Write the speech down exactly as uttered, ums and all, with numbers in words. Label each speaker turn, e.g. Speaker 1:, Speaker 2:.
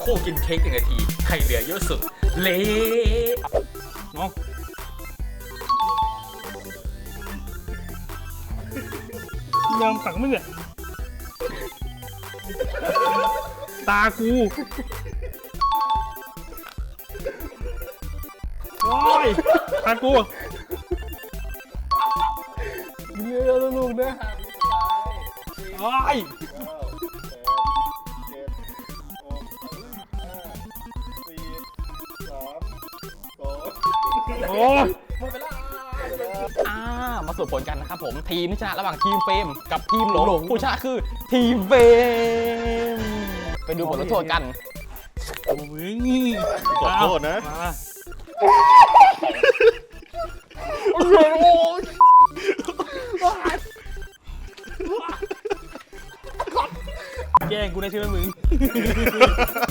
Speaker 1: คู่กินเค้กหนึ่งนาทีใครเหลือเยอะสุดเละน้องยอมตักมึงอะตากูว้ายตากูเยอะลูกนะว้ายโอ้ยอ่ามาสรุปผลกันนะครับผมทีมที่ชนะระหว่างทีมเฟรมกับทีมหลงผู้ชนะคือทีมเฟรมไปดูผลลงโทษกันโอ้ยนี่ขอโทษนะโอ้ยแกล้งกูนะใช่ไหมมึง